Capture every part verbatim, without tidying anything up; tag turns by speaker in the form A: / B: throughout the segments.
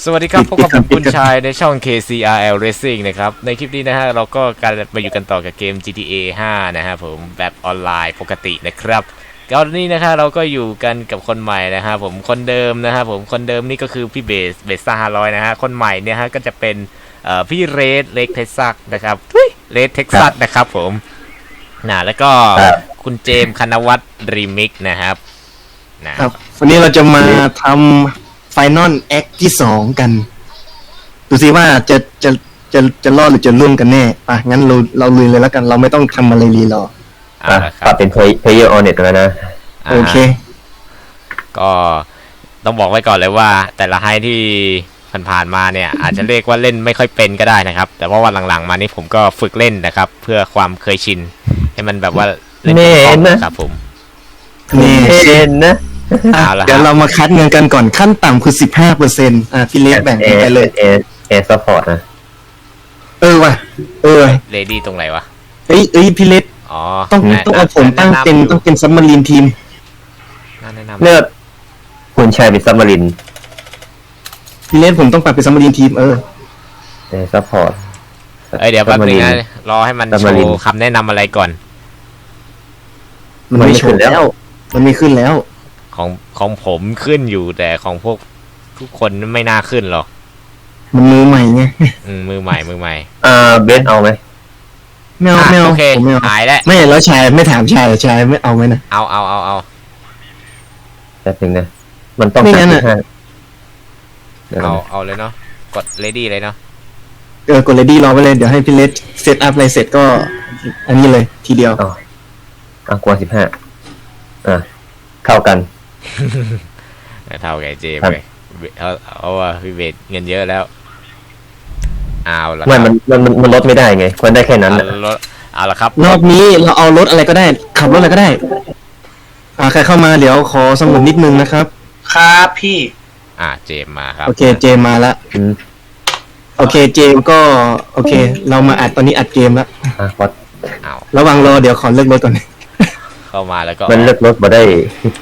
A: สวัสดีครับพบกับผมคุณชายในช่อง เค ซี อาร์ แอล Racing นะครับในคลิปนี้นะฮะเราก็การมาอยู่กันต่อกับเกม จี ที เอ ห้า นะฮะผมแบบออนไลน์ปกตินะครับตอนนี้นะฮะเราก็อยู่กันกับคนใหม่นะฮะผมคนเดิมนะฮะผมคนเดิมนี่ก็คือพี่เบสเบสซ่าห้าร้อยนะฮะคนใหม่เนี่ยฮะก็จะเป็นเอ่อพี่เรดเล็กเท็กซัสนะครับเรดเท็กซัสนะครับผมนะแล้วก็คุณเจมส์คณวัฒน์รีมิกนะครับ
B: นะครับวันนี้เราจะมาทำไฟนอลแอคที่สองกันดูสิว่าจะจะจะจะรอดหรือจะล่วงกันแน่ป่ะงั้นเราเราลุยเลยแล้วกันเราไม่ต้องทำอะไรรีรอ
C: อ่ะปรับเป็น player on it แล้วนะ
B: โอเค
A: ก็ต้องบอกไว้ก่อนเลยว่าแต่ละไฮที่ผ่านๆมาเนี่ยอาจจะเรียกว่าเล่นไม่ค่อยเป็นก็ได้นะครับแต่ว่าวันหลังๆมานี่ผมก็ฝึกเล่นนะครับเพื่อความเคยชินให้มันแบบว่าเล่นคล่องนะครับผม
B: นี่
C: เล่นนะ
B: เดี๋ยวเรามาคัดเงินกันก่อนขั้นต่ำคือ สิบห้าเปอร์เซ็นต์ อ่ะพี่เล็กแบ่งไปเลย
C: เอเอซัพพอร์ตนะ
B: เออว่ะเออ
A: เลดี้ตรงไหนวะ
B: เอ้ยเอ้ยพี่เล็ก
A: อ๋อ
B: ต้องต้องเอาผมตั้งเป็นต้องเป็นซับมารีนทีม
C: เลือกคุณชายเป็นซับมารีน
B: พี่เล็กผมต้องปรับเป็นซับมารีนทีมเออ
C: เอซัพพอร์ต
A: เอ้ยเดี๋ยวแป๊บนึงนะรอให้มันโชว์คำแนะนำอะไรก่อน
B: มันไม่โชว์แล้วมันไม่ขึ้นแล้ว
A: ของของผมขึ้นอยู่แต่ของพวกทุกคนไม่น่าขึ้นหรอก
B: มันมือใหม่ไง
A: อืมมือใหม่มือใหม่
C: อ่าเบสเอาไหม
B: ไม่เอาไม่เอา
A: โอเคหายแล้ว
B: ไม่แล้วชายไม่ถามชายชายไม่เอาไหมนะ
A: เอาเอาเอาเอา
C: แป๊บนึงนะมันต้อง
B: ไม่งั้นอ่ะ
A: เอาเอาเลยเนาะกด ready เลยเนาะ
B: เออกด ready รอไปเลยเดี๋ยวให้พี่เลสเซตอัพอะไรเสร็จก็อันนี้เลยทีเดียว
C: อ๋ออ่ะกว่าสิบห้าอ่ะเท่ากัน
A: เท่าไงเจมเลยเอาเอาว่าพี่เบสเงินเยอะแล้วเอาละ
C: ไม่มันมันมันลดไม่ได้ไงมันได้แค่นั้น
A: ลดเอาละครับ
B: รอบนี้เราเอารถอะไรก็ได้ขับรถอะไรก็ได้อ่าใครเข้ามาเดี๋ยวขอสมุดนิดนึงนะครับ
D: ครับพี่
A: อ่าเจมมาครับ
B: โอเคเจมมาละโอเคเจมก็โอเคเรามาอัดตอนนี้อัดเกมแล้ว
C: อ่ะพอ
A: เอา
B: ระวังรอเดี๋ยวขอเลือกรถก่อน
A: เข้ามาแล้วก็
C: มันเลือกรถมาได้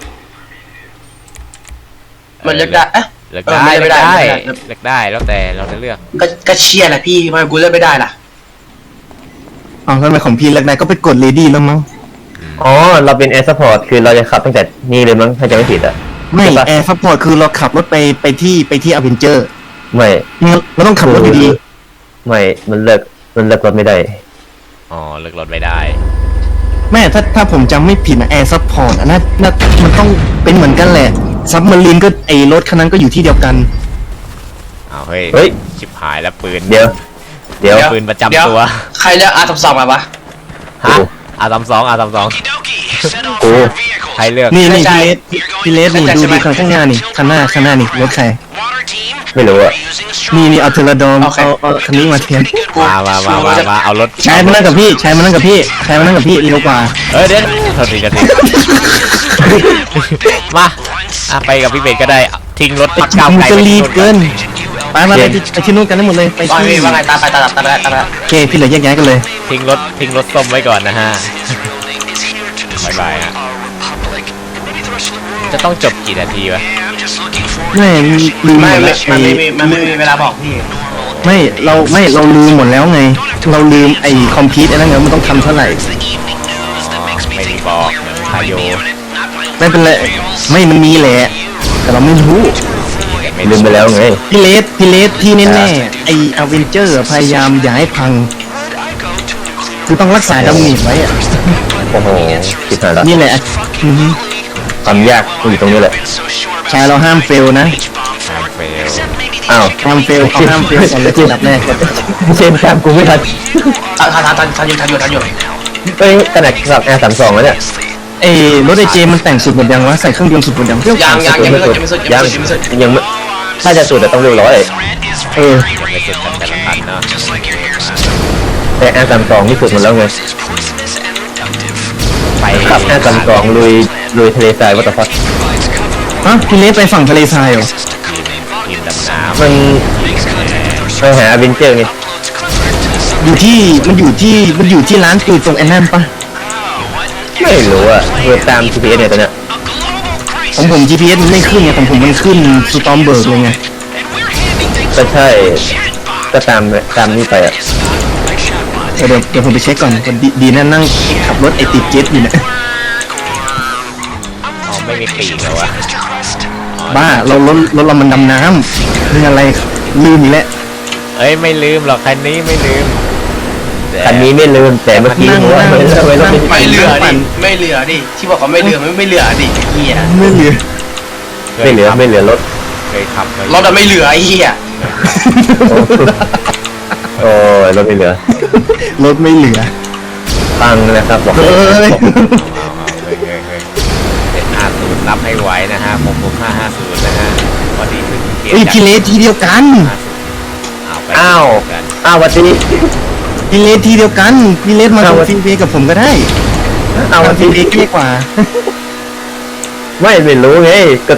D: มันเลือกได้เอ๊ะ
A: เลือกได้เลือกได้เลือกได้แล้วแต่เราจะเลือก
D: ก็ก็เชียร์แหละพี่ทำไมกูเลือกไม่ได้ล่ะ
B: อ๋อทำไมของพี่เลือกได้ก็ไปกด ready แล้วมั้ง
C: อ๋อเราเป็น air support คือเราจะขับตั้งแต่นี่เลยมั้งถ้าจะไม่ผิดอ่ะ
B: ไม่ air support คือเราขับรถไปไปที่ไปที่ Avenger
C: ไม่
B: เราต้องขับรถดี
C: ๆไม่มันเลือกมันเลือกรถไม่ได้
A: อ๋อเลือกรถไม่ได้
B: แม่ถ้าถ้าผมจำไม่ผิดนะ Air Support อ่ะน่าน่ามันต้องเป็นเหมือนกันแหละซับมารีนก็ไอรถคันนั้นก็อยู่ที่เดียวกัน
A: เอาเฮ้ย
C: เฮ้ย
A: ชิบหายแล้วปืน
C: เดี๋ยวเดี๋ยว
A: ปืนประจำตัว
D: ใครเลือก อาร์ สามสิบสอง มาวะ
A: ฮะ อาร์ สามสิบสอง อาร์ สามสิบสอง
C: โอ้
A: ใครเลือก
B: นี่นี่พี่เลสนี่ดูดีคันข้างหน้านี่คันหน้าคันหน้านี่รถใคร
C: ไม่รู้อะ
B: นี่นี่เอาเทเลดอมเอาเอาคันนี้มาเทียน
A: มามามามามาเอารถ
B: ใช้มานั่งกับพี่ใช้มานั่งกับพี่ใช้มานั่งกับพี่เร็วกว่า
A: เออเดี๋ยวโทษทีกันทีมาอ่ะไปกับพี่เบสก็ได้ทิ้งรถพักเก้าไกล
B: ไปรีบเกินไปมาเลยไปที่นู่นกันทั้งหมดเลยไป
D: ที่ว่าไงตามไปตามตามตาม
B: โอเคพี่เหลือแยกย้ายกันเลย
A: ทิ้งรถทิ้งรถส้มไว้ก่อนนะฮะบายบายฮะจะต้องจบกี่นาทีวะ
B: ไม่ลืมหมดแล้ว
D: มันไม่มีมันไม่มีเวลาบอกพี่
B: ไม่เราไม่เราลืมหมดแล้วไงเราลืมไอ้คอมพิวต์ไอ้นั่นไงมันต้องทำเท่าไหร่
A: ไม่มีบอกคาโย
B: ไม่เป็นไรไม่มันมีแหละแต่เราไม่รู้
C: ลืมไปแล้วไง
B: พี่เลสพี่เลสที่แน่ๆไอ้อเวนเจอร์พยายามอย่าให้พังคือต้องรักษาดาเมจไว้อะ
C: โอ้โหคิดหายแล้ว
B: นี่แหละ
C: ความยากอยู่ตรงนี้แหละ
B: ชายเราห้ามเฟลนะ
A: ห้ามเฟล
C: อ้าว
B: ห้ามเฟลเขาห้ามเฟลก่อนเลยที่ดับแรก
C: เช่นตามกูไม่ทัน
D: ทันทันทันทันอยู่ทันอยู่ทันอยู่
C: เอ้ยขนาดขับ แอร์ สามสิบสอง แล้วเนี่ย
B: เอ้รถไอเจมันแต่งสุดหมดยังวะใส่เครื่องยนต์สุดหมดยัง
D: ยังยังยังไม่สุดยังไม่สุดยังไม่สุด
C: ยังไม่ถ้าจะสุดแต่ต้องเร็วร้อย
B: เออ
A: ไม่สุดแต่ละคันเนาะ
C: แต่ แอร์ สามสิบสอง นี่สุดหมดแล้วไง
A: ไป
C: ขับ แอร์ สามสิบสอง ลุยลุยทะเลทรายวัตถุพัฒน์
B: ฮะพี่เลสไปฝั่งทะเลทรายเหรอ
A: ทีมดำน้ำ
C: มันไปหาอเวนเจอร์ไง
B: อยู่ที่มันอยู่ที่มันอยู่ที่ร้านคือตรงแอนนัมปะ
C: ไม่รู้อะเพื่อตาม จี พี เอส เนี่ยตอนเนี้ย
B: ของผม จี พี เอส มันไม่ขึ้นไงของผมมันขึ้นสตอมเบิร์กเลยไง
C: ก็ใช่ก็ตามตามนี่ไปอ่ะ
B: เดี๋ยวเดี๋ยวผมไปเช็คก่อนดีดีนะนั่งขับรถไอติดเจ็ตอยู่เนี่ย
A: อ๋อไม่มีปีกแล้ววะ
B: บ้าเรารถรถเรามันดำน้ำเรื่องอะไรลืมอีกแล้ว
A: เอ้ยไม่ลืมหรอกคันนี้ไม่ลืมแต่
C: คันนี้ไม่ลืมแต่เมื่อกี้ผมว่าไม่ไม่ไม่
D: ไม่เหลือดิไม่เหลือดิที่บอกว่าไม่เหลือไม่ไม่เหลือดิเฮีย
B: ไม่เหลือ
C: ไม่เหลือไม่เหลือรถ
A: เคยขับมาร
D: ถอะไม่เหลือไอ้เฮีย
C: โอ้ยรถไม่เหลือ
B: รถไม่เหลือ
C: ตังนะครับบอก
B: เฮ้ย
A: เฮ้ยเฮ้ยเฮ้ยเจ็ดห้าศูนย์นับให้ไว้นะฮะผมผมห้าห้าศูนย์นะฮะพอดีขึ้นเกม
B: เฮ้ยพี่เลสทีเดียวกัน
A: อ้าวไป
C: อ้าว
A: กัน
C: อ้าววันนี้
B: พี่เลสทีเดียวกันพี่เลสมา
C: เอา
B: ทำ
C: วะ
B: ฟรีเวย์กับผมก็ได้
C: เอาวัน
B: ฟรี
C: ที่
B: เวย์เท่กว่า
C: ไม่ไม่รู้ไงก็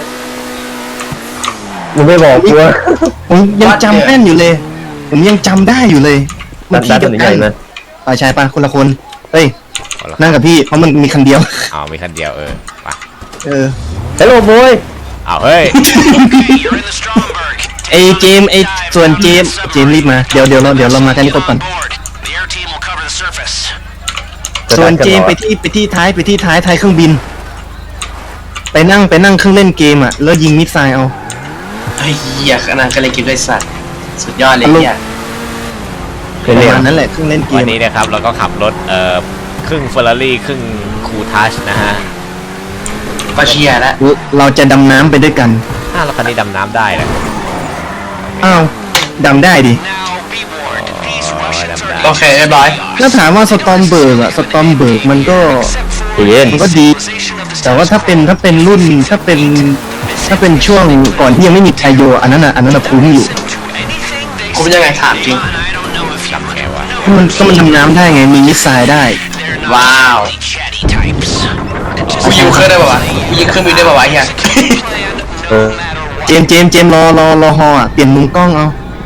C: มึงไม่บอกกูว่า
B: ผมยังจำแม่นอยู่เลย ผมยังจำได้อยู่เลยมั
C: ดั
B: น
C: น
B: ที
C: ดัน
B: เดียว
C: ให
B: กั
C: ญ่
B: น
C: นะ
B: ไปชายปะคนละคนเฮ้ย
A: เอาละ
B: นั่งกับพี่เพราะมันมีคันเดียว
A: เอามีคันเดียวเออไป
B: เออ
C: ฮัลโหลบอย
A: เอาเฮ้ย
B: ไอเจมส์ไอส่วนเจมส์เจมส์รีบมาเดี๋ยวเดี๋ยวเราเดี๋ยวเรามากันนี่ครบก่อนส่วนเจมส์ไปที่ไปที่ท้ายไปที่ท้ายท้ายเครื่องบิน ไปนั่งไปนั่งเครื่องเล่นเกมอ่ะแล้วยิงมิสไซล์เอา
D: ไอ้เฮียขนาดกันเลยกินด้วยสัตว์สุดยอดเลยเฮีย
C: เค
B: ป
C: ย
B: ระ
C: เรียน
B: มาณนั้นแหละเครื่องเล่นเก
A: วัน
B: ม
A: นี้นะครับเราก็ขับรถเอ่อครึ่งเฟอร์รารี่ครึ่งคูทัชนะฮะ
D: ก็เชียร์แล้ว
B: เราจะดำน้ำไปด้วยกัน
A: อ้าวแล้วคันนี้ดำน้ำได้เลย
B: อ้าวดำได้ดิ
A: อ๋อดำได้
D: โอเคเรียบร้อย
B: ถ้าถามว่าสตอมเบิร์กอะสตอมเบิร์กมันก็
C: เย็น
B: มันก็ดี แต่ว่าถ้าเป็นถ้าเป็นรุ่นถ้าเป็นถ้าเป็นช่วงก่อนที่ยังไม่มีไทโยอันนั้นอะอันนั้นอะคุ้มอยู่
D: คุณยังไงถามจริง
A: ดำแค่วะ
B: มันก็มันดำน้ำได้ไงมีมิสไซล์ได้
D: ว้าวกูยิงเครื่องได้ป่าวะกูยิงเครื่องบินได้ป่าวะเฮีย
C: เออ
B: เจมส์เจมส์เจมส์รอรอรอฮออะเปลี่ยนมุมกล้องเอา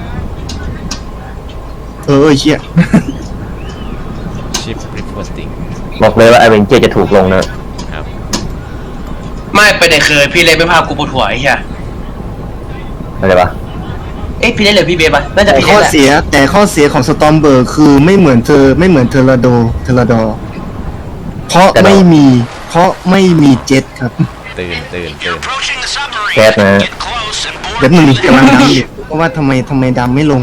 B: เออเออเชี่ย
A: ชิปรีพอร์ติ้ง
C: บอกเลยว่าไอเวนเจจะถูกลงนะ
A: ครับ
D: ไม่ไปไหนเคยพี่เล็กไม่พากูปวดหัวไอ้เฮีย
C: อะไรปะ
D: เอ๊ะพี่เล็กหรือพี่เบฟอะน่าจะ
B: แต่
D: พี่
B: ข้
D: เล็
B: อก
D: แหละ
B: เสียแต่ข้อเสียของสตอมเบิร์กคือไม่เหมือนเธอไม่เหมือนเทอร์ราโดเทอร์ราดอเพราะไม่มีเพราะไม่มีเจ็ตครับ
A: ตื่นตื่นตื่น
C: แก๊สนะ
B: เดี๋ยวหนึ่งกำลังดำอยู่เพราะว่าทำไมทำไมดำไม่ลง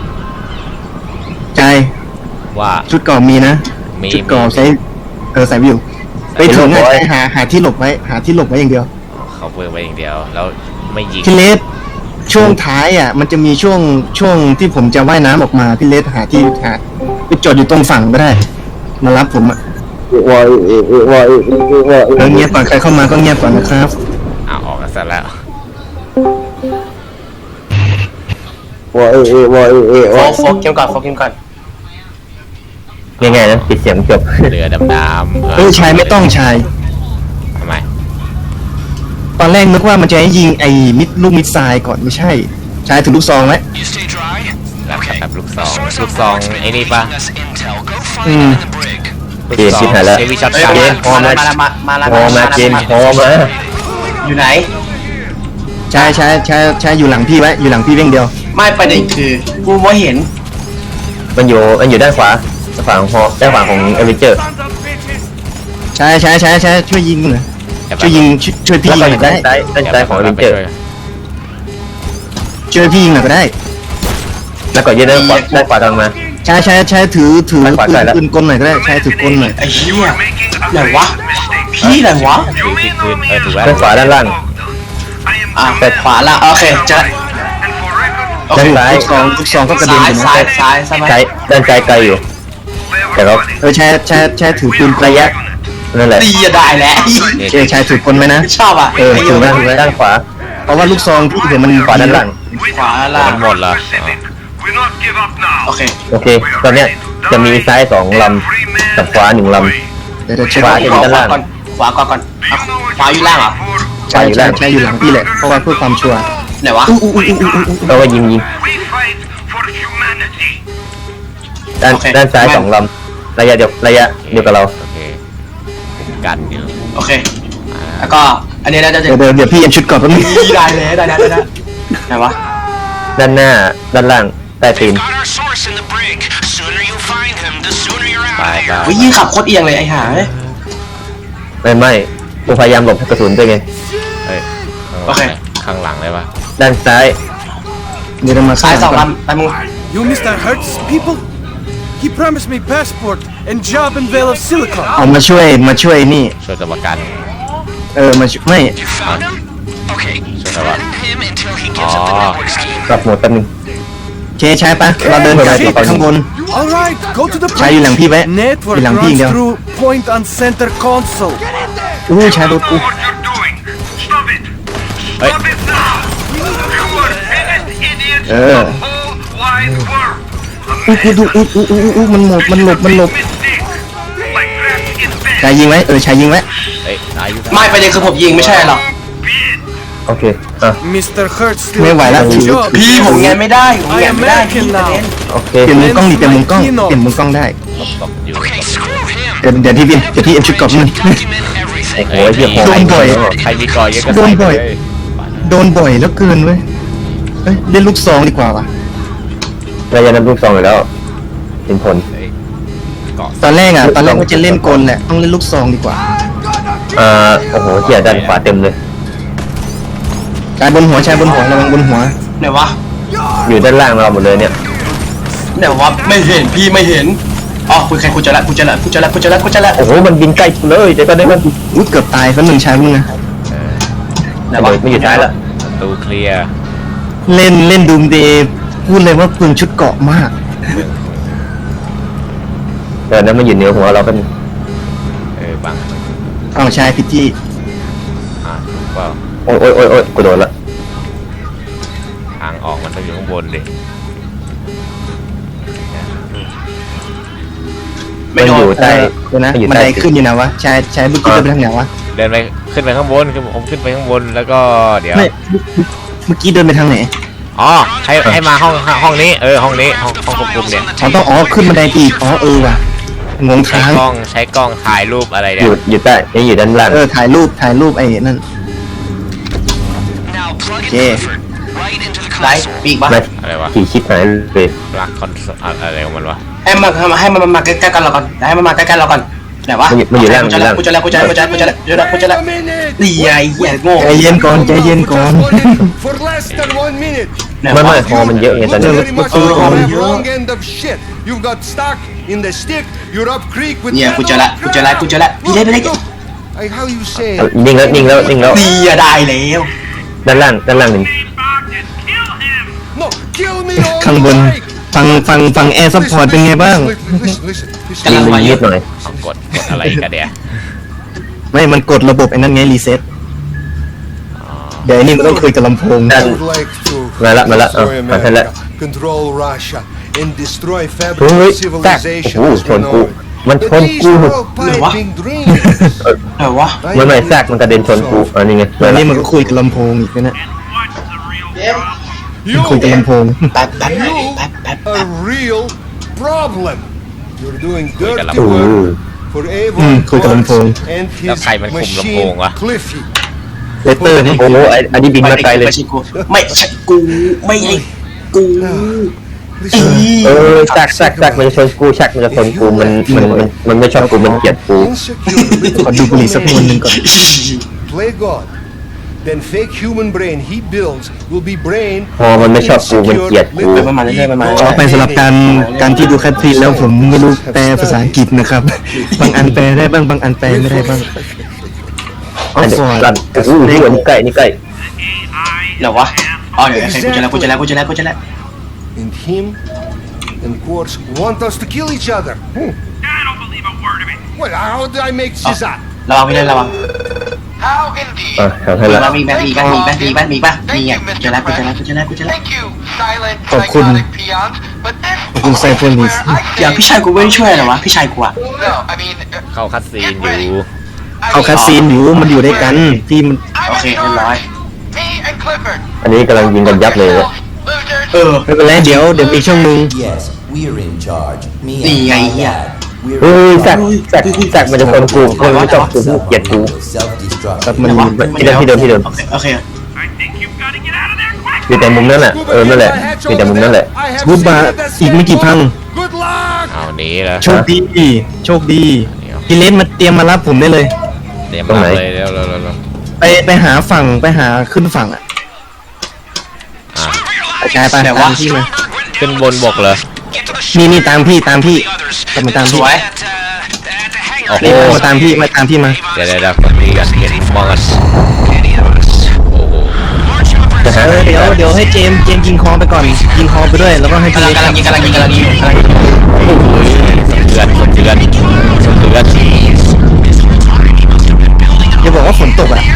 B: ใจ
A: ว่า
B: ชุดเก่อมีนะ
A: มี
B: ชุดเก่อใช้เออใส่ไว้อยู่ไปถึงอะใช้หาหาที่หลบไว้หาที่หลบไว้อย่างเดียว
A: เขาเปิดไว้อย่างเดียวแล้วไม่ยิง
B: พี่เลสช่วงท้ายอ่ะ มันจะมีช่วงช่วงที่ผมจะว่ายน้ำออกมาพี่เลสหาที่หาไปจอดอยู่ตรงฝั่งก็ได้ มารับผมอ่ะ
C: วอยเอเอวอยเอเอวอย
B: แล้วเงียบก่อนใครเข้ามาก็เงียบก่อนนะครับ
A: อ้าวออกกันซะแล้ว
C: วอยเอเอวอยเอ
D: โฟ
C: วอย
D: กโฟกเกมก่อนโฟกเกมก่อน
C: ง่ายๆนะปิดเสียงจบ
A: เรือดำน้ำ
B: เออชายไม่ต้องชาย
A: ทำไม
B: ตอนแรกนึกว่ามันจะให้ยิงไอ้มิดลูกมิดทรายก่อนไม่ใช่ชายถือลูกซองไว้
A: แบบแบบลูกซองลูกซองไอ้นี่ปะ
B: อืม
A: ลูก
C: เกม
A: ซอ
C: ชิ
A: ง
C: บหายแล้ว
A: เฮฟวี่ช็อต
D: เฮ้ย
A: กัน
C: เก
D: มา
C: พอ
D: มา
C: มา
D: มามามา
C: พอมาเกมพอมา
D: อยู่ไหน
B: ชายชายชายชายอยู่หลังพี่ไว้อยู่หลังพี่เพียงเดียว
D: ไม่ประเด็นคือกูไม่เห็น
C: มันอยู่มันอยู่ด้านขวาด้านขวาของฮอด้านขวาของเอเวนเจอร์
B: ชายชายชายชายช่วยยิงหน่อยช่วยยิงช่วยช่วยพี่
C: แล้ว
B: ยิง
C: ก็
B: หน่อย
C: ด้า
B: ได้
C: นซ้ายด้านซ้ายของเอเวนเจอร์
B: ช่วยพี่ยิงหน่อยก็ได้
C: แล้วก็ยืนด้านขวาด้านขวาทางมา
B: ชายชายชายถือถือ
C: ไปขวา
B: ปื
C: ใส่
B: น
C: แล้ว
B: ปืนกลหน่อยก็ได้ชายถือกลหน่อย
D: ไอ้เหี้ยไหนวะพี่ไหนวะ
A: ถือที่พื้นเออถือว่า
C: ด้านขวาด้านล่าง
D: อ่ะแต่ขวาละโอเคเจะโอเค
C: ด้านซ้าย
B: ลูกซองลูกซองก็กระเด็น
D: ซ้าย
B: อยู่นะ
D: ซ้ายซ้ายใช่ไหม
C: ซ้ายด้านซ้ายไกลอยู่ แต่ก็
B: เออชายชายชายถือปืน
C: ระยะนั่นแหละ
D: ดีอะได้แล้ว
B: เออชายถือกลไหมนะ
D: ชอบอ่ะ
C: เออถือด้านด้านขวา
B: เพราะว่าลูกซองพี่เดี๋ยวมัน
C: ขวาด้านล่าง
D: ขวาล่าง
A: มันหมดละอ๋อ
D: โอเค
C: โอเค ตอนเนี้ยจะมีซ้ายสองลำกับขวาหนึ่งล
B: เดี๋ยวเดี๋ยวเช็ค
C: ขวา
D: ขวาก่อนขวาก่อนก่อนเอาขวาอยู่ล่างเหรอ
B: ชายชายชายอยู่หลังพี่แหละเพราะว่าเพื่อความชัวร์
D: ไหนวะ
B: อู้อู้อู้อู้อู้อู้
C: ำแล้วก็ยิงยิงด้านด้านซ้ายสองลำระยะเดียวระยะเดียวกับเรา
A: โอเคกันอยู่
D: โอเคแล้วก็อันนี้น่าจะ
B: เดี๋ยวเดี๋ยวเดี๋ยวพี่ยังชุดก่อนแป๊บนึง
D: ได้เลยได้แล้วได้แล้วไหนวะ
B: น
C: ด้านหน้าด้านล่างใต้ตีน
E: Got our source in the brig. Sooner you find him, the sooner you're
A: ไป
E: out of
A: ไป
E: here.
D: วิยิ่งขับโคตรเอียงเลยไอ้ห่าเอ้ย
C: ไม่ไม่กูพยายามหลบกระสุนด้วยไง
A: เฮ้ย
D: โอเค
A: ข้างหลังเลยปะ
C: ด้านซ้าย
B: เดี๋ยวเรามา
D: ซ้ายสอง
B: ก่อน
D: ลำไปมึง
F: You Mister Hertz people? He promised me passport and job in Vale of Silicon.
B: เอามาช่วยมาช่วยนี่
A: ช่วยตัวประกัน
B: เออมาช่วยไม่
E: You found him? Okay.
A: Sure, come on.
E: Threaten him until he gives up the
A: Oh.
E: network scheme.
C: กลับหมดแป๊บนึง
B: เคใช้ปะเราเดินกลับไปข้างบน
F: All right, go to the
B: ใช้อยู่หลังพี่ไว้
F: Network
B: อยู่หลังพี่อย่าง
F: runs
B: เดียว
F: through point on center console.
B: อู้ใช้รถกู
G: What you're doing. Stop it.
A: Hey.
G: Stop it now. You are biggest idiots
B: Uh.
G: in the whole wide world.
B: อู้กูดูอู้อู้อู้อู้มันหลบมันหลบมันหลบ
G: Mistake. Like that in bed.
B: ชายยิงไว้เออชายยิงไว้
A: เฮ้ยตายอยู่
D: ไม่ประเด็นคือผมยิงไม่ใช่หรอก
C: โอเคอ่ะ
F: Mister Hertz still
B: ไม่ไหวแล้ว
F: has a
B: ถือ
F: job.
D: พี่ผมไงไม่ได้ผมไงไม่ได้
F: I am
D: พี่
F: American
D: ประเด็น
C: โอเค
B: เปลี่ยนมุมกล้องดิเปลี่ยนมุมกล้องเปลี่ยนมุมกล้องได้
A: ตบอยู่
E: Okay, screw him.
B: เดี๋ยวเดี๋ยวที่พี่เดี๋ยวที่เอ็มชุดกรอบนึง
E: Document everything.
C: โอ้ยเหี้ย
A: เฮ้ย
C: โห
B: โดนบ่อย
A: ใครมีกอยเยอะก็
B: โด
A: ใส่
B: น
A: ไป
B: บ่อย
A: เลย
B: โดนบ่อยแล้วเกินเว้ยเอ้ยเล่นลูกซองดีกว่าว่ะ
C: เราจะนำลูกซองอยู่แล้วเห็นผล
A: เฮ้ยเกาะ
B: ตอนแรกอ่ะตอนแรกว่าจะเล่นกลแหละต้องเล่นลูกซองดีกว่า
C: อ่าโอ้โหเหี้ยด้านขวาเต็มเลย
B: ชายบนหัวชายบนหัวระวังบนหัว
D: ไหนวะ
C: อยู่ด้านล่างเราหมดเลยเนี่ย
D: ไหนวะไม่เห็นพี่ไม่เห็นอ๋อคุยใครกูจะละกูจะละกูจะละกูจะละกูจะละ
C: โอ้โหมันบินใกล้กูเลยเดี๋ยวก็ได้มัน
B: อุ้ยเกือบตายเพราะหนึ่งชายมึงนะ
D: ไหน
C: ระ
D: วะ
C: เบิดไม่อยู่ท้ายละ
A: ประตูเคลียร์
B: เล่นเล่นดูมเดย์พูดเลยว่าเปลืองชุดเกราะมาก
C: เออนั้นมันอยู่เหนือหัวเราเป็น
A: เออบัง
B: เอาชายพิจี้
A: อ่ะถูกเปล่า
C: โอ้ยโอ้ยโอ้ยโอ้ยกูโดนละ
A: ทางออกมันต้องอยู่ข้างบนดิ
D: ไม่
C: มัน
D: โด
C: อน ยู่ใต้
B: เดี๋ยวนะ
C: มันอยู่
B: มัน
C: ใต้
B: ไดขึ้นอยู่นะวะชายชายเมื่อกี้เดินไปทางไหนวะ
A: เดินไปขึ้นไปข้างบนคือผมขึ้นไปข้างบนแล้วก็เดี๋ยว
B: ไม่เมื่อกี้เดินไปทางไหน
A: อ๋อให้ให้มาห้องห้องนี้เออห้องนี้ห้องห้องควบคุมเนี่ย
B: อ๋อต้องอ๋อขึ้นบันไดไปอีกอ๋อเออว่ะงง
A: ใช้
B: ทาง
A: กล้องใช้กล้องถ่ายรูปอะไร
C: อ
A: เนี่ย
C: ยู่อยู่ใต้นี่อยู่ด้านล่าง
B: เออถ่ายรูปถ่ายรูปไอ้นั่น
E: Now plug in
B: Yeah.
E: Clifford right into the
D: ไหน
E: console.
D: ปีกปะ
C: ไม่
A: อะไรวะ
C: ขี่ชิปหายเลย
A: ลักคอนอะไรของมันวะ
D: ให้มันให้มันมาใกล้ๆกันเราก่อนให้มันมาใกล้ๆเราก่อนไหนวะ
C: มันอยู่มันอยู่ล่าง
D: กูจะละกูจะละกูจะละกูจะละกูจะละกูจะละกูจะละนี่ไงเหี้ยโง่
B: ใจเย็นก่อนใจเย็นก่อน
H: For less than one minute.
D: ไหน
C: ไม่
D: วะ
C: ไม่ฮอมันเยอะไงตอน
H: Not
C: นี้
H: very much
B: Oh,
H: you have
B: yeah.
H: wrong end of shit. You've got stuck in the stick. You're up creek with
D: เนี่ยกูจะละกูจะละกูจะละพี่เล่นไปเล่น
H: I, how you say?
C: นิ่งแล้วนิ่งแล้วนิ่งแล้ว
D: นี่อะได้แล้ว
C: ด้านล่างด้านล่างหนึ่ง
H: No, kill me all
B: ข้างบน
H: you like.
B: ฟังฟังฟังแอร์ซัพพอร์ตเป็นไงบ้าง
H: Listen, listen, listen, listen.
D: กำลั
C: ยิ
D: ง
C: ง
D: มา
C: มัน
D: เย
C: ยื
D: อะ
C: ดหน่อย
A: เอากดกดอะไรกันเดี๋ยว
B: ไม่มันกดระบบไอ้นั่นไงรีเซ็ตเดี๋ยวไอ้นี่มันต้องคุยกับลำโพง
H: I would like to
C: Mala, mala,
H: destroy
C: oh,
H: America,
C: mala.
H: control Russia, and destroy
C: เฮ้
H: fabric
C: ย
H: of
C: แตก
H: civilization
C: โอ้โห
H: as
C: ช
H: we
C: น
H: know
C: กู
H: it.
C: มันช
H: But
C: น
H: these
C: กู
H: are all piping dreams.
D: ไหนวะ
C: ไม่ไม่แทรกมันกระเด็นชนกูอันนี้ไง
B: ตอนนี้มันก็คุยกับลำโพงอีกนะเนี่ย
H: You
B: คุยกับลำโพง
D: แป๊บแป๊บแป๊บแป๊บแป๊บ
H: a real problem. You're doing
A: คุยกับ
H: dirty
A: ลำโพง
H: work for Evo
B: อืมคุยกับลำโพง
H: and
A: แล้ว
H: his
A: ใครมันคุมลำโพง
H: machine
A: วะ
H: Cliffy.
B: เลเตอร์นี่
C: โอ้โหไอ้อันนี้บินมาไกลเลย
D: ไม่ใช่กูไม่ใช่กูไม่ใช่กู
H: Listen,
C: เออแทรกแทรกแทรกมันจะชนกูแทรกมันจะชนกูมันมันมันมันไม่ชอบกูมันเกลียดกู
H: insecure
B: ขอ
H: little
B: ดูบุหรี่สักมวนหนึ่งก่อน
H: play God. Then fake human brain he builds will be brain
C: พอมันไม่ชอบกูมันเกลียดกู
D: ไปประมาณเรื่อยๆประมาณ
B: ขอไปสำหรับการการที่ดูแคทฟรีแล้วผมไม่รู้แปลภาษาอังกฤษนะครับ บางอันแปลได้บ้างบางอันแปลไม่ได้บ้างออ
C: อัน
B: ฟ
C: นี้
B: ฟอร์ด
C: ลั่นโอ้โหนี่อันนี้ใกล้นี่ใกล้
D: ไหนวะอ๋อเดี๋ยวกูจะละกูจะละกูจะละกูจะละ
H: and him and Quartz want us to kill each other. Hmm.
G: I don't believe a word of it.
H: Well, how did I make this up?
D: ระวังไม่ได้ระวัง
E: How indeed.
C: อ่ะทำให้
D: มี
C: ละ
D: บ้างมีบ้างมีบ้างมีบ้างมีบ้างมีบ้างมีอ่ะกูจะละกูจะละกูจะละกูจะละ
E: Thank you, silent
B: ขอบคุณ
E: psychotic peons. But this
B: ขอบคุณไซโฟนิส
E: where I
D: เดี๋ยว
E: say
D: พี่ชายกูไม่ได้ช่วยเหรอวะพี่ชายกูอะ
E: no. I mean, uh,
A: เข้าคัดซีน
E: get
A: อยู่
E: ready. I
B: เอา
E: mean,
B: คาซีนอยู่มันอยู่ด้วยกันที่มัน
E: I'm
D: โอเค
E: in
D: เรียบร้อย
E: charge. Me and Clifford.
C: อันนี้กำลังยิงกันยับเลย
E: Losers.
D: เออ
B: ไม่เป็นไรเดี๋ยวเดี๋ยวอีกช่วงหนึง
I: Yes, we're in charge. Me
D: Đi
I: and
D: ngay
I: my
D: nha.
I: dad. We're
C: เฮ้ย
I: in
C: แทรก
I: charge.
C: แทรกแทรกมันจะชนกูมันไม่ชอบกูเกลียดกู
I: Self-destruct.
B: ครับมัน
D: ไหนวะ
C: ที่เดิมที่เดิมที่เดิม
D: โอเคโอเค
G: I think you've got to get out of there quick.
C: อยู่แต่มุมนั่นแหละเออนั่นแหละอยู่แต่มุมนั่นแหละ
B: รูปมาอีกไม่กี่พัง
H: Good luck!
A: เอาหนี้แล้ว
B: โชคดีโชคดีพี่เลสมาเตรียมมารับผมได้เลย
A: เดี๋ยวมาเลยเร็วเร็วเร็วเร็ว
B: ไปไปหาฝั่งไปหาขึ้นฝั่งอ่ะ
A: อ่ะ
B: ไปกายไปตามพี่มา
A: ขึ้นบนบกเลย
B: นี่นี่ตามพี่ตามพี่กลับมาตาม
D: ส
B: พี่
D: วย
A: โอ้โห
B: นี่มาตามพี่มาตามพี่มา
A: เดี๋ยวเดี๋ยวเดี๋ยวคนนี้กันเห็นมองกันโอ้โห
C: จะหา
B: เออเดี๋ยวเดี๋ยวให้เจมส์เจมส์ยิงคอไปก่อนยิงคอไปด้วยแล้วก็ให้พี่
D: กำลั
B: เล
D: ง
B: ส
D: กำลังยิงกำลังยิงกำลังยิงกำลังยิง
A: เดือนคนเดือนคนเดือน
B: อย่าบอกว่าฝนตกอ่ะ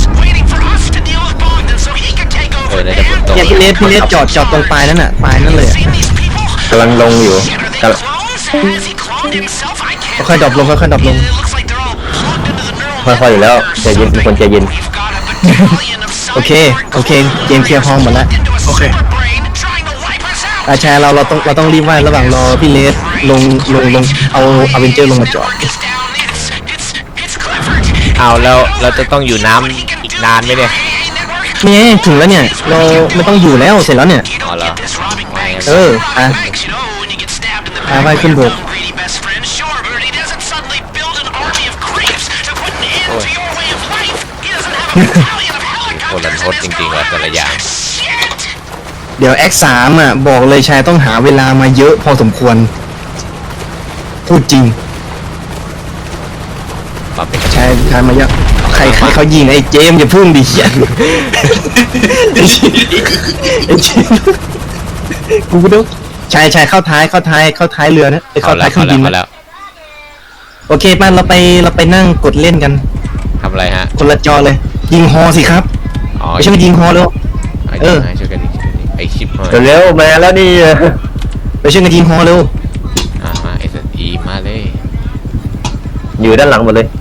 A: เออน่าจะฝนตก
B: เนี่ยพี่เลสพี่เลสจอดจอดตรงปลายนั่นน่ะปลายนั่นเลยอะ
C: กำลังลงอยู่กำลัง
B: ค่อยๆดรอปลงค่อยๆดรอปลง
C: ค่อยๆอยู่แล้วใจเย็นเป็นคนใจเย็น
B: โอเคโอเคเจมส์เคลียร์ห้องหมดแล้ว
D: โอเค
B: อาชายเราเราต้องเราต้องรีบไหว้ระหว่างรอพี่เลสลงลงลงเอาอเวนเจอร์ลงมาจอด
A: เอาแล้วเราจะต้องอยู่น้ำอีกนานไหมเนี่ย
B: เนี่ยถึงแล้วเนี่ยเราไม่ต้องอยู่แล้วเสร็จแล้วเนี่ย
A: อ๋อเหรอ
B: เอออ่ะอ่ะไปขึ้นบก
A: คนละทดจริงๆว่ะแต่ละอย่าง
B: เดี๋ยว X สามอ่ะบอกเลยชายต้องหาเวลามาเยอะพอสมควรพูดจริง
A: ความเป็น
B: ชายชายมาเยอะใครใครเขายิงไอ้เจมส์อย่าพึ่งดิเหี้ยไอ้เจมส์กูก็ดูชายชายเข้าท้ายเข้าท้ายเข้าท้ายเรือนะไป
A: เอา
B: เข้า
A: แล้
B: ท้า
A: วย
B: เครื่
A: เอา
B: อง
A: แล้
B: บิ
A: วน เอาแล้ว
B: โอเคป้าเราไปเราไปนั่งกดเล่นกัน
A: ทำอะไรฮะ
B: คนละจอเลย ยิงฮอสิครับ
A: อ๋อ
B: ไม่ใช่ไปยิงฮอเร็ว
A: ไอ้
B: เออ
A: ช่วยกันดิช่วยกันดิไอคลิปหน่อย
C: เร็วๆมาแล้วนี่
B: ไปช่วยกันยิงฮอเร็ว
A: อ่ามาเอสอีมาเลย
C: อยู่ด้านหลังหมดเลย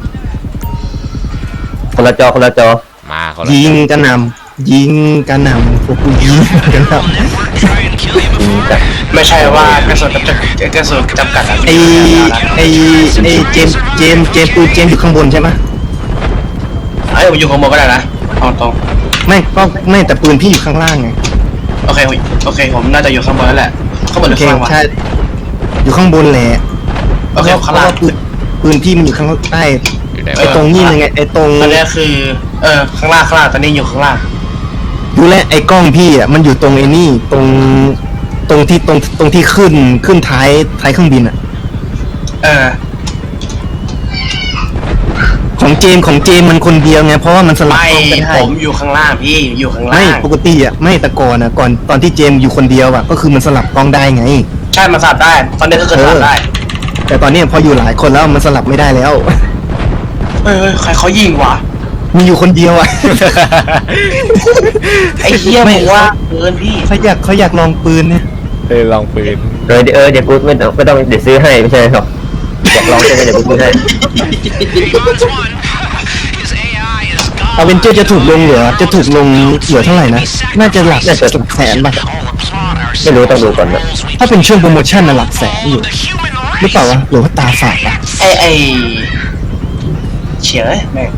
C: คนละจอคนละจอ
A: มาเขาละ
B: ยิงกระหน่ำยิงกระหน่ำพวกกูยิงกระหน่ำ
C: อืมจ้ะ
D: ไม่ใช่ว่ากระสุนจำกัดกระสุนจำกัดอะ
B: ไอไอไอเจมส์เจมส์เจมส์ปืนเจมส์อยู่ข้างบนใช่ไหม
D: ไอ้ผมอยู่ข้างบนก็ได้นะเอาตรง
B: ไม่ก็ไม่แต่ปืนพี่อยู่ข้างล่างไง
D: โอเคโอเคผมน่าจะอยู่ข้างบนแล้วแหละข้างบนห
B: โอ
D: รือ
B: เค
D: ข้างล่างวะ
B: ใช่อยู่ข้างบนแหละ
D: โอเคข้างล่าง
B: เพระว่ปืนปืนพี่มันอยู่ข้างใต้
A: อยู่ไหน
B: ไอตรงนี้เลยไงไอตรง
D: ตอนนี้คือเออข้างล่างข้างล่างตอนนี้อยู่ข้างล่าง
B: ดูแลไอกล้องพี่อ่ะมันอยู่ตรงไอ้นี่ตรงตรงที่ตรงตรงที่ขึ้นขึ้นท้ายท้ายเครื่องบินอ่ะ
D: เออ
B: ของเจมส์ของเจมส์มันคนเดียวไงเพราะว่ามันสลับ
D: ไม่
B: กล้องกันได้
D: ผมอยู่ข้างล่างพี่อยู่ข้างล่า
B: ไม่
D: ง
B: ปกติอ่ะไม่แต่ก่อนอ่ะก่อนตอนที่เจมส์อยู่คนเดียวอ่ะก็คือมันสลับกล้องได้ไง
D: ใช่มาสับได้ ตอนนี้ก็คือสับได้
B: แต่ตอนนี้พออยู่หลายคนแล้วมันสลับไม่ได้แล้ว
D: เฮ้ยเฮ้ยใครเขายิงวะ
B: มีอยู่คนเดียวอ่ะ
D: ไอ้เหี้ย
B: ไม่
D: บอกว่าเกินพี่
B: เขาอยากเขาอยากลองปืนเนี่ย
A: เออลองปืน
C: เออเดี๋ยวเออเดี๋ยวกูไม่ต้องไม่ต้องเดี๋ยวซื้อให้ไม่ใช่หรอกอยากลองใช่ไหมเดี๋ยวกูซื้อให้
B: อเวนเจอร์จะถูกลงเหลือจะถูกลงเหลือเท่าไหร่นะน่าจะหลักน่าจะหลักแสนป่ะ
C: ไม่รู้ต้องดูก่อนนะ
B: ถ้าเป็นช่วงโปรโมชั่นน่ะหลักแสนอยู่หรือเปล่าวะหรือว่าตาฝาดอ่ะ
D: ไอ้ไอ้เฉียแม่ง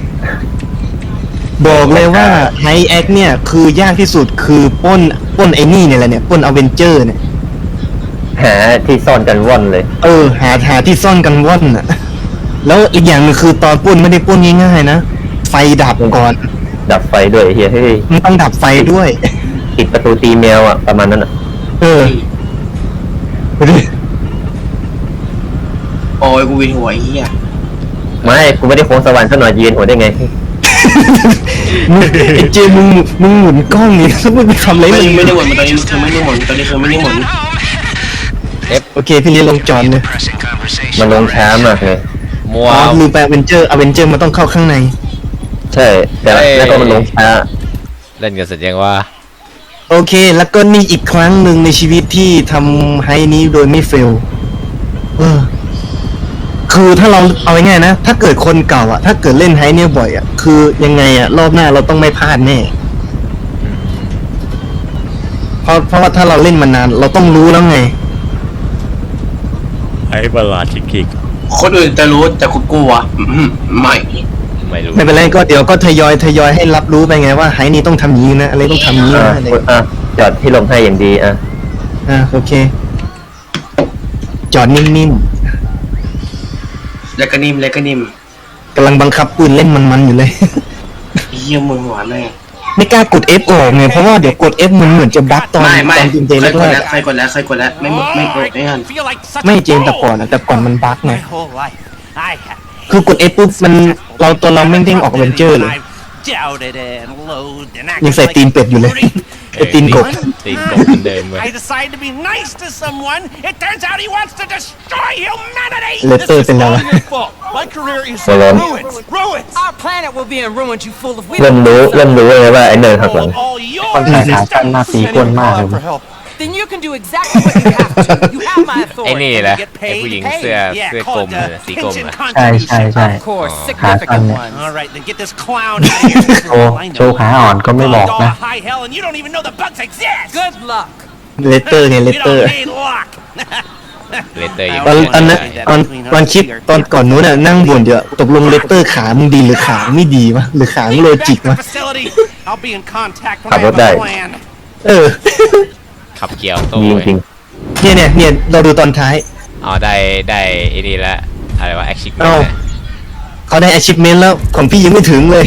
B: บอกเลยว่าไฮแอคเนี่ยคือยากที่สุดคือปล้นปล้นไอ้นี่เนี่ยแหละเนี่ยปล้นอเวนเจอร์เนี่ย
C: หาที่ซ่อนกันว่อนเลย
B: เออหาหาที่ซ่อนกันว่อนอ่ะแล้วอีกอย่างหนึงคือตอนปล้นไม่ได้ปล้นง่ายๆนะไฟดับก่อน
C: ดับไฟด้วยไอ้เฮียเฮ้ย
B: มันต้องดับไฟด้วย
C: ปิดประตูตีแมวอ่ะประมาณนั้นอ่ะ
B: เออดูดิ
D: โอ้ยกูวินหัวไอ้เหี้ย
C: ไม่กูไม่ได้โค้งสวรรค์ซะหน่อยยืนหัวได้ไง
B: มึงไอ้เจมึงมึงหมุนกล้องนี่แล้วมึงไปทำอะไร
D: ไม่
B: มึง
D: ไม่ได้หมุนตอนนี้คือไม่ได้หมุนตอนนี้คือไม่ได้หมุน
B: โอเคพี่เลี้ยงลงจอนเลย
C: มันลงช้ามากเลย
A: มัว
B: อ๋อลืมไปอเวนเจอร์อเวนเจอร์มันต้องเข้าข้างใน
C: ใช่แต่แล้วก็มันลงช้า
A: เล่นกันเสร็จยังว่า
B: โอเค แล้วก็นี่อีกครั้งหนึ่งในชีวิตที่ทำไฮนี้โดยไม่เฟลเออคือถ้าเราเอาง่ายๆนะ ถ้าเกิดคนเก่าอะถ้าเกิดเล่นไฮเนี่ยบ่อยอะคือยังไงอะรอบหน้าเราต้องไม่พลาดแน่เพราะเพราะว่าถ้าเราเล่นมานาน เราต้องรู้แล้วไง
A: ไอ้ประหลาดชิคกิก
D: คนอื่นจะรู้แต่กูกลัวอืมไม่
A: มไม่รู้
B: ไม่เป็นไรก็เดี๋ยวก็ทยอยทยอยให้รับรู้ไปไงว่าไฮนี่ต้องทำอย่างนี้นะอะไรต้องทำอย่างนี้
C: อ่ะ
B: นะอะไร
C: อ่ะจอดที่ลมให้อย่างดีอ่ะ
B: อ่าโอเค จอดนิ่ม
D: แล้วก็นิ่มแล้วก็นิ่ม
B: ๆกำลังบังคับปืนเล่นมันๆอยู่เลย
D: เยี่ยมมึงหวานแม่ง
B: ไม่กล้ากด F ออกไงเพราะว่าเดี๋ยวกด F มันเหมือนจะบั๊กตอน
D: ไม่ไม่
B: ตอนจริง
D: ใคร
B: ๆแร
D: กด
B: ก
D: แล้วใครกดแล้วใครกดแล้วไม่ไม่กดไม่งั้น
E: Feel like such
B: ๆไม่
E: a
B: เจนแต่ก่อนอะแต่ก่อนมันบั๊กไง
E: My whole life, I had
B: คือกด F ปุ๊บมันเราตัวเราไม่เด้งออกเวนเจอร์เลย
E: doubted and loathed and
B: ยังใส่ตีนเป็ดอยู่เลย ไอตีนกบ
A: ตีนกบเหมือนเดิมเว้ย
E: I decided to be nice to someone. It turns out he wants to destroy humanity.
B: Letter
E: This is
B: เป็นไร
E: all
B: วะ
E: your fault. My career is
C: Well,
E: in
C: um,
E: ruins. Ruins.
J: Our planet will be in ruins, you fool. If we
C: เริ่ม
J: don't
C: รู้
J: do
C: เริ่ม
J: something,
C: รู้เลยว่าไอ้เนินหักหลัง
E: All yours.
C: คนใส่ขาสั้นหน้าตีก้นมากเลย
E: For help.
J: then you can do exactly what you have to. You have my
A: ไอ้
J: authority.
A: นี่แหละ
E: Get
A: ไอ้
E: paid.
A: ผู้หญิง
E: Paid.
A: เสื้อ
E: Yeah,
A: เสื้อ
E: call
A: กล
E: it
A: ม
E: the
A: เลยสีกลม
E: pension
A: อะ
C: ใช่ใช่ใช่
J: Of course,
C: ขาสั้น
J: significant
C: เนี่ย
J: ones.
E: All right, then get this clown out of here.
C: โชว์โชว์ขาอ่อนก็ไม่บอกนะ
E: All high hell, and you don't even know the bugs exist.
J: Good luck.
B: เลตเตอร์ไงเล
E: You
B: ตเตอร์
E: don't need luck.
A: เลเตอร์ยัง
B: ตอน
A: ไม่
B: ตอนนั้น
A: ได้
B: ตอนตอนคลิปตอนก่อนนู้นน่ะนั่งบ่นเยอะตกลงเลตเตอร์ขามึงดีหรือขาไม่ดีวะหรือขามึงโลจิก
E: Back to
B: วะ
E: the facility. I'll be in contact when
C: ขั
E: I
C: บร
E: have
C: ถได้
E: a plan.
B: เออ
A: ขับเกียวโต้
C: ยิง
A: เว้ย
C: จริง
B: เนี่ยเนี่ยเนี่ยเราดูตอนท้าย
A: อ๋อได้ได้ไอ้นี่ละอะไรวะแอคชิ
B: เอ้า เขาได้ achievement แล้วของพี่ยังไม่ถึงเลย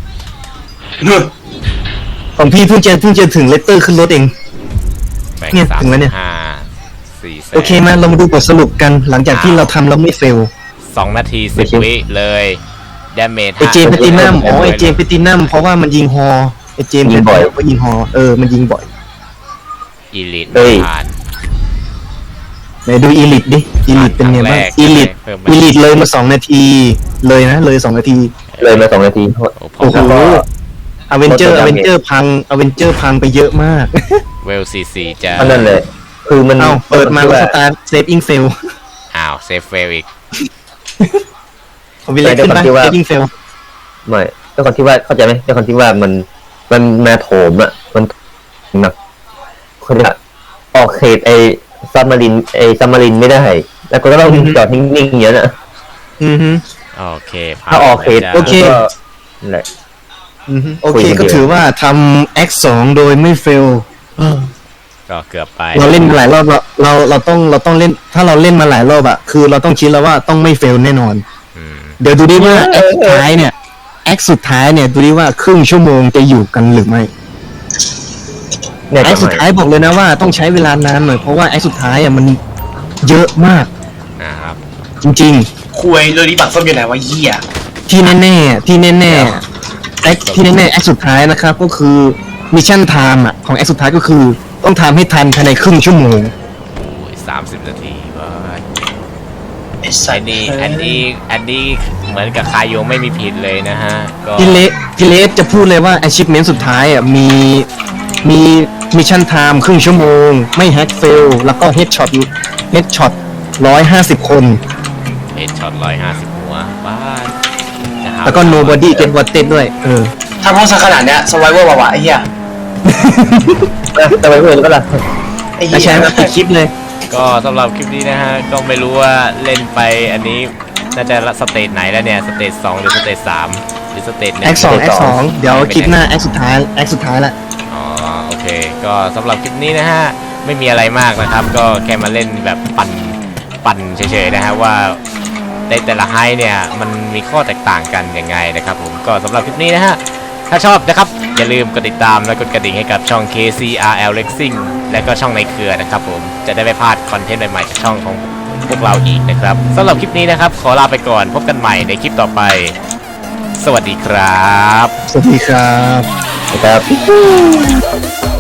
B: ของพี่เพิ่งจะเพิ่งจะถึงเลตเตอร์ขึ้นรถเอง เนี่ย
A: สาม
B: ถึงแล้วเนี่ย
A: ห้าสี่แสน
B: โอเคมาเรามาดูบทสรุปกันหลังจากที่เราทำแล้วไม่เฟล
A: สองนาทีสิบวิเลยดาเมจ
B: ไอเจมส์แพตินัมอ๋อไอเจมส์แพตินัมเพราะว่ามันยิงฮอไอเจมส์
C: ยิงบ่อย
B: ก็ยิงฮอเออมันยิงบ่อย
A: อีลิท
C: เฮ้ย
A: ผ่าน
B: ไหนดูอีลิทดิอีลิทเป็นไงบ้าง
A: ครั้งแรก
B: อีลิท
A: เพิ่มมา
B: อีลิทเลยมาสองนาทีเลยนะเลยสองนาที
C: เลยมาสองนาที
A: โอ้พ
B: โอ้โห
C: แล้วก็
B: อเวนเจอร์
C: ร
B: อ
C: ถ
B: เว
C: ดำ
B: นเจอร์พังอเวนเจอร์พังไปเยอะมาก
A: เวลซีซีจะ
C: อันนั้นเลย คือมัน
B: เอ้าเปิดมาแล้วสตาร์เซฟอิงเฟล
A: อ้าวเซฟเฟลอีก
B: ผมวิลเลจขึ้นปะเซฟอิงเฟล
C: ไม่ด้วยความที่ว่าเข้าใจไหมด้วยความที่ว่ามันมันมาโถมอ่ะมันหนักคนละออกเขตไอ้ซับมารินไอ้ซับมารินไม่ได้ แล้วก็ต้องจอดนิ่งๆอย่างนี้ยนะ
B: อือฮึ
A: โอเคผ่าน
C: ถ้าออกเขต
A: แล้ว
B: โอเค
C: ก็นั่นแหละ
B: อือฮึโอ
C: คุ
B: เค
C: ยกัน
B: ก็
C: เยอะ
B: ถือว่าทำแอคสองโดยไม่เฟล
A: ก็เกือบไป
B: เราเล่นมาหลายรอบเราเราเราต้องเราต้องเล่นถ้าเราเล่นมาหลายรอบอะคือเราต้องคิดแล้วว่าต้องไม่เฟลแน่นอน
A: อืม
B: เดี๋ยวดูดิว่าแอคสุดท้ายเนี่ยแอคสุดท้ายเนี่ยดูดิว่าครึ่งชั่วโมงจะอยู่กันหรือไม่
C: เนี่ย
B: แอคสุดท้ายบอกเลยนะว่าต้องใช้เวลานานหน่อยเพราะว่าแอคสุดท้ายอะมันเยอะมาก
A: นะครับ
B: จริง
D: คุยเรื่องนี้บัตรส้มอยู่ไหนวะเหี้ย
B: ๆ ที่แน่ๆที่แน่ๆแอคที่แน่ๆแอคสุดท้ายนะครับก็คือมิชชั่นไทม์อะของแอคสุดท้ายก็คือต้องทำให้ทันภายในครึ่งชั่วโมง
A: โอ้ยสามสิบนาทีเว้ย
D: ไอ้สั
A: อั
D: ต
A: น
D: ว์
A: นี้อันนี้อันนี้เหมือนกับคายโยไม่มีผิดเลยนะฮะก็
B: พี่เลพี่เลสจะพูดเลยว่า achievement สุดท้ายอ่ะมีมีมิชชั่นไทม์ครึ่งชั่วโมง ไม่แฮกเฟลแล้วก็เฮดช็อตเฮดช็อตร้อยห้าสิบคน
A: เฮดช็อตร้อยห้าสิบหัวบ้านจะหา
B: แล้วก็ nobody get wanted ด้วย เออ
D: ถ้าพูดซะขนาดเนี้ยสไวเวอร์วะไอ้เหี้ย
C: จะไปเพื่อนก็ล่ะ
D: ไอ้
B: แล้ว
D: เหี้
B: ใช้
D: ย
B: มาปิดคลิปเลย
A: ก็สำหรับคลิปนี้นะฮะก็ไม่รู้ว่าเล่นไปอันนี้น่าจะสเตจไหนแล้วเนี่ยสเตจสองหรือสเตจสามหรือสเตจหนึ่ง
B: แอคสองแอคสองเดี๋ยวคลิปหน้าแอคสุดท้ายแอคสุดท้ายละ
A: อ๋อโอเค ก็สำหรับคลิปนี้นะฮะไม่มีอะไรมากนะครับ ก็แค่มาเล่นแบบปั่นปั่นเฉยๆนะฮะว่าในแต่ละไฮเนี่ยมันมีข้อแตกต่างกันยังไงนะครับผมก็สำหรับคลิปนี้นะฮะถ้าชอบนะครับอย่าลืมกดติดตามและกดกระดิ่งให้กับช่อง เค ซี อาร์ แอล Racing และก็ช่องในเครือนะครับผมจะได้ไม่พลาดคอนเทนต์ใหม่ๆจากช่องของพวกเราอีกนะครับสำหรับคลิปนี้นะครับขอลาไปก่อนพบกันใหม่ในคลิปต่อไป สวัสดีครับ
B: สวัสดีครับ
C: นะครับ